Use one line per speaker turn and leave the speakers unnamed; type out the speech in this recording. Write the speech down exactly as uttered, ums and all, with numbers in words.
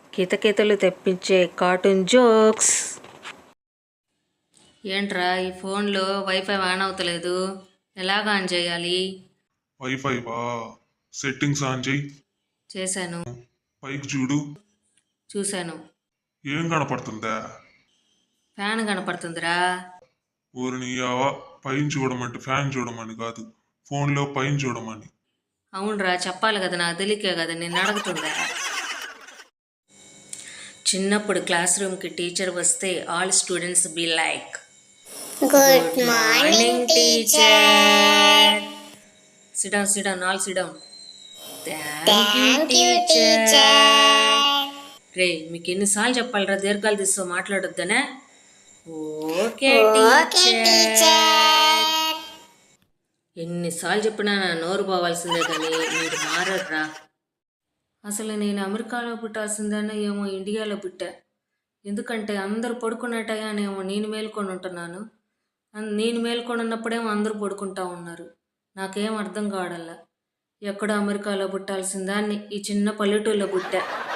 కితకితలు తెప్పించే cartoon jokes. ఏంట్రా ఈ ఫోన్లో వైఫై ఆన్ అవుతలేదు, ఎలాగ ఆన్ చేయాలి?
వైఫై వా సెట్టింగ్స్ ఆన్ చేయి.
చేశాను.
పైకి చూడు.
చూశాను.
ఏం కనపడుతుందా?
ఫ్యాన్ కనపడుతుందిరా.
ఊరిని యావా పైన చూడమంటే ఫ్యాన్ చూడమని కాదు, ఫోన్లో పైన చూడమని.
అవునరా, చెప్పాలి కదా, నాకు తెలియకే కదా నేను అడుగుతుందా. చిన్నప్పుడు క్లాస్ రూమ్కి టీచర్ వస్తే all students be like,
good morning teacher.
Sit down, sit down, all sit down.
Thank you teacher.
రే, మీకు ఎన్నిసార్లు చెప్పాలిరా దీర్ఘాలు తీస్తూ మాట్లాడొద్దనే? Okay
okay teacher.
ఎన్నిసార్లు చెప్పినా నా నోరు పోవాల్సిందే కానీ మీరు మారర్రా. అసలు నేను అమెరికాలో పుట్టాల్సిందేనా ఏమో ఇండియాలో పుట్టా. ఎందుకంటే అందరూ పడుకునే టయానేమో నేను మేల్కొని ఉంటున్నాను, అన్- నేను మేల్కొని ఉన్నప్పుడేమో అందరూ పడుకుంటా ఉన్నారు. నాకేం అర్థం కావడల్లా. ఎక్కడో అమెరికాలో పుట్టాల్సిందాన్ని ఈ చిన్న పల్లెటూరులో పుట్టా.